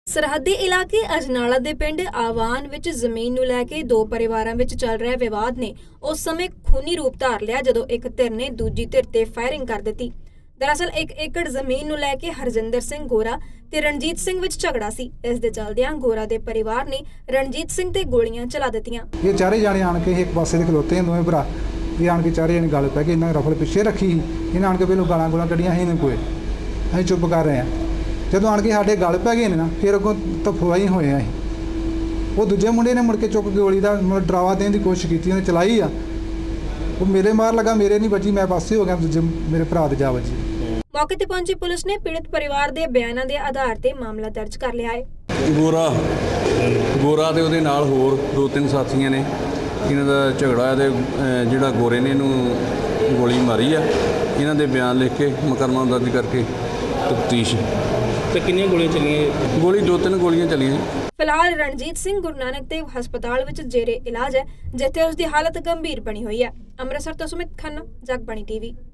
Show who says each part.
Speaker 1: ਸਰਹੱਦੀ ਇਲਾਕੇ ਅਜਨਾਲਾ ਦੇ ਪਿੰਡ ਆਵਾਨ ਵਿੱਚ ਜ਼ਮੀਨ ਨੂੰ ਲੈ ਕੇ ਦੋ ਪਰਿਵਾਰਾਂ ਵਿੱਚ ਚੱਲ ਰਿਹਾ ਵਿਵਾਦ ਨੇ ਉਸ ਸਮੇਂ ਖੂਨੀ ਰੂਪ ਧਾਰ ਲਿਆ ਜਦੋਂ ਇੱਕ ਧਿਰ ਨੇ ਦੂਜੀ ਧਿਰ ਤੇ ਫਾਇਰਿੰਗ ਕਰ ਦਿੱਤੀ। ਦਰਅਸਲ 1 ਏਕੜ ਜ਼ਮੀਨ ਨੂੰ ਲੈ ਕੇ ਹਰਜਿੰਦਰ ਸਿੰਘ ਗੋਰਾ ਤੇ ਰਣਜੀਤ ਸਿੰਘ ਵਿੱਚ ਝਗੜਾ ਸੀ। ਇਸ ਦੇ ਚੱਲਦਿਆਂ ਗੋਰਾ ਦੇ ਪਰਿਵਾਰ ਨੇ ਰਣਜੀਤ ਸਿੰਘ ਤੇ ਗੋਲੀਆਂ ਚਲਾ ਦਿੱਤੀਆਂ।
Speaker 2: ਇਹ ਚਾਰੇ ਜਾਣੇ ਆਣ ਕੇ ਇੱਕ ਪਾਸੇ ਦੇ ਖਲੋਤੇ ਦੋਵੇਂ ਭਰਾ ਇਹ ਆਣ ਕੇ ਚਾਰੇ ਜਣੇ ਗੱਲ ਪੈ ਕੇ ਇਹਨਾਂ ਰਫਲ ਪਿੱਛੇ ਰੱਖੀ ਇਹਨਾਂ ਆਣ ਕੇ ਪਹਿਲਾਂ ਗਾਲਾਂ ਕੱਢੀਆਂ ਸੀ ਇਹਨਾਂ ਕੋਲ। ਅਸੀਂ ਚੁੱਪ ਕਰ ਰਹੇ ਹਾਂ। ਜਦੋਂ ਆਣ ਕੇ ਸਾਡੇ ਗੱਲ ਪੈ ਗਏ ਨੇ ਨਾ ਫਿਰ ਅੱਗੋਂ ਤਫਵਾਈ ਹੋਏ ਆ। ਉਹ ਦੂਜੇ ਮੁੰਡੇ ਨੇ ਮੁੜ ਕੇ ਚੁੱਕ ਕੇ ਗੋਲੀ ਦਾ ਡਰਾਵਾ ਦੇਣ ਦੀ ਕੋਸ਼ਿਸ਼ ਕੀਤੀ, ਉਹਨੇ ਚਲਾਈ ਆ। ਉਹ ਮੇਰੇ ਮਾਰ ਲੱਗਾ, ਮੇਰੇ ਨਹੀਂ ਵੱਜੀ, ਮੈਂ ਪਾਸੇ ਹੋ ਗਿਆ, ਦੂਜੇ ਮੇਰੇ ਭਰਾ ਦੇ ਜਾ ਵੱਜੀ।
Speaker 1: ਮੌਕੇ ਤੇ ਪਹੁੰਚੀ ਪੁਲਿਸ ਨੇ ਪੀੜਤ ਪਰਿਵਾਰ ਦੇ ਬਿਆਨਾਂ ਦੇ ਆਧਾਰ ਤੇ ਮਾਮਲਾ ਦਰਜ ਕਰ ਲਿਆ ਹੈ।
Speaker 3: ਗੋਰਾ ਤੇ ਉਹਦੇ ਨਾਲ ਹੋਰ 2-3 ਸਾਥੀਆਂ ਨੇ ਇਹਨਾਂ ਦਾ ਝਗੜਾ ਤੇ ਜਿਹੜਾ ਗੋਰੇ ਨੇ ਇਹਨੂੰ ਗੋਲੀ ਮਾਰੀ ਆ। ਇਹਨਾਂ ਦੇ ਬਿਆਨ ਲਿਖ ਕੇ ਮੁਕੱਦਮਾ ਦਰਜ ਕਰਕੇ ਤਫਤੀਸ਼।
Speaker 4: ਤੇ ਕਿੰਨੀਆਂ ਗੋਲੀਆਂ ਚੱਲੀਆਂ?
Speaker 3: ਗੋਲੀ 2-3 ਗੋਲੀਆਂ ਚੱਲੀਆਂ।
Speaker 1: ਫਿਲਹਾਲ ਰਣਜੀਤ ਸਿੰਘ ਗੁਰੂ ਨਾਨਕ ਦੇਵ ਹਸਪਤਾਲ ਵਿੱਚ ਜੇਰੇ ਇਲਾਜ ਹੈ, ਜਿੱਥੇ ਉਸ ਦੀ ਹਾਲਤ ਗੰਭੀਰ ਬਣੀ ਹੋਈ ਹੈ। ਅੰਮ੍ਰਿਤਸਰ ਤੋਂ ਸੁਮਿਤ ਖੰਨਾ, ਜਗਬਾਣੀ ਟੀਵੀ।